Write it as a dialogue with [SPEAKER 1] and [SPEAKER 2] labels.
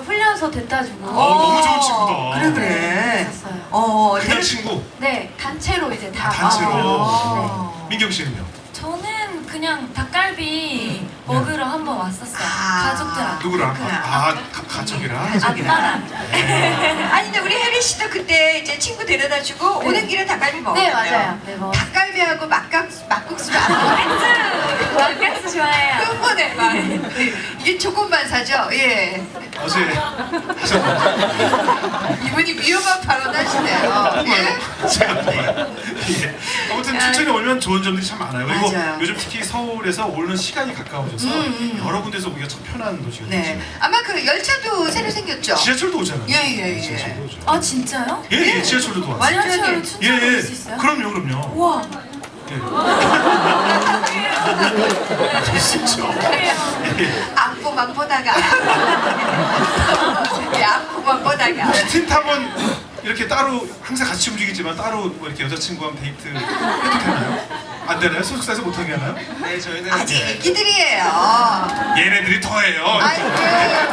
[SPEAKER 1] 훈련소 됐다 주고.
[SPEAKER 2] 너무 좋은 친구다.
[SPEAKER 3] 그래 그래.
[SPEAKER 1] 있었어요.
[SPEAKER 2] 그냥 친구.
[SPEAKER 1] 네, 단체로 이제 다.
[SPEAKER 2] 단체로. 민경 씨는요?
[SPEAKER 1] 저는 그냥 닭갈비 먹으러 한번 왔었어요. 가족들한테.
[SPEAKER 2] 누구랑?
[SPEAKER 3] 그렇구나.
[SPEAKER 2] 가족이랑.
[SPEAKER 1] 아빠랑.
[SPEAKER 3] 아니 근데 우리 혜리 씨도 그때 이제 친구 데려다 주고
[SPEAKER 1] 네.
[SPEAKER 3] 오는 길에 닭갈비 먹었어요.
[SPEAKER 1] 네, 맞아요. 네, 뭐.
[SPEAKER 3] 닭갈비하고 막국수를 안 먹었어요.
[SPEAKER 1] 막국수 좋아해요.
[SPEAKER 3] 끝번에 막 이게 조건반 사죠. 예.
[SPEAKER 2] 어제 하셨나요?
[SPEAKER 3] 이분이 위험한 발언 하시네요. 예?
[SPEAKER 2] 제가 뭐예요? 예. 아무튼 춘천에 오면 좋은 점들이 참 많아요. 그리고
[SPEAKER 3] 맞아요.
[SPEAKER 2] 요즘 특히 서울에서 오는 시간이 가까워져서 여러 군데서 오기가 참 편한 도시가
[SPEAKER 3] 네.
[SPEAKER 2] 됐죠.
[SPEAKER 3] 아마 그 열차도 새로 생겼죠.
[SPEAKER 2] 지하철도 오잖아요.
[SPEAKER 3] 예.
[SPEAKER 2] 지하철도 오죠.
[SPEAKER 1] 아, 진짜요?
[SPEAKER 2] 예, 지하철도 왔어요.
[SPEAKER 3] 완전히.
[SPEAKER 1] 지하철로 춘천
[SPEAKER 2] 예,
[SPEAKER 1] 올수 있어요?
[SPEAKER 2] 그럼요.
[SPEAKER 1] 우와.
[SPEAKER 2] 예. 진짜.
[SPEAKER 3] 안고만 보다가 안고만 보다가
[SPEAKER 2] 틴탑은 이렇게 따로 항상 같이 움직이지만 따로 뭐 이렇게 여자친구랑 데이트 해도 되나요? 안 되나요? 소속사에서 못하게 하나요?
[SPEAKER 4] 네, 저희는
[SPEAKER 3] 아직 애기들이에요.
[SPEAKER 2] 얘네들이 더해요.
[SPEAKER 3] 아이고